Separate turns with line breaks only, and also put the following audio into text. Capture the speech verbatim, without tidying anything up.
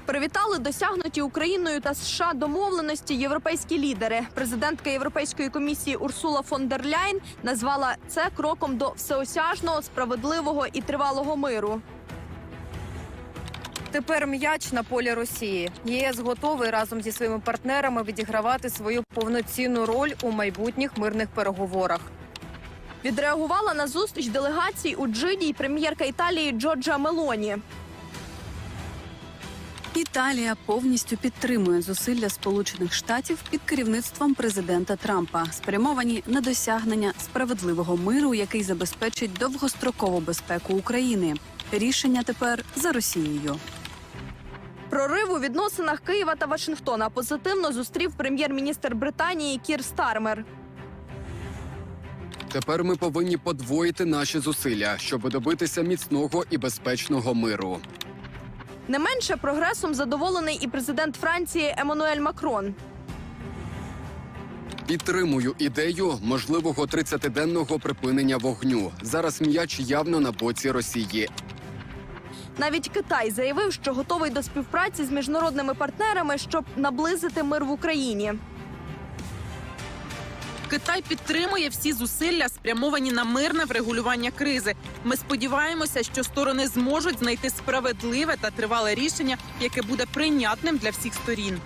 Привітали досягнуті Україною та США домовленості європейські лідери. Президентка Європейської комісії Урсула фон дер Ляйн назвала це кроком до всеосяжного, справедливого і тривалого миру.
Тепер м'яч на полі Росії. ЄС готовий разом зі своїми партнерами відігравати свою повноцінну роль у майбутніх мирних переговорах.
Відреагувала на зустріч делегацій у Джиді й прем'єрка Італії Джорджа Мелоні.
Італія повністю підтримує зусилля Сполучених Штатів під керівництвом президента Трампа, спрямовані на досягнення справедливого миру, який забезпечить довгострокову безпеку України. Рішення тепер за Росією.
Прорив у відносинах Києва та Вашингтона позитивно зустрів прем'єр-міністр Британії Кір Стармер.
Тепер ми повинні подвоїти наші зусилля, щоб добитися міцного і безпечного миру.
Не менше прогресом задоволений і президент Франції Еммануель Макрон.
Підтримую ідею можливого тридцятиденного припинення вогню. Зараз м'яч явно на боці Росії.
Навіть Китай заявив, що готовий до співпраці з міжнародними партнерами, щоб наблизити мир в Україні.
Китай підтримує всі зусилля, спрямовані на мирне врегулювання кризи. Ми сподіваємося, що сторони зможуть знайти справедливе та тривале рішення, яке буде прийнятним для всіх сторін.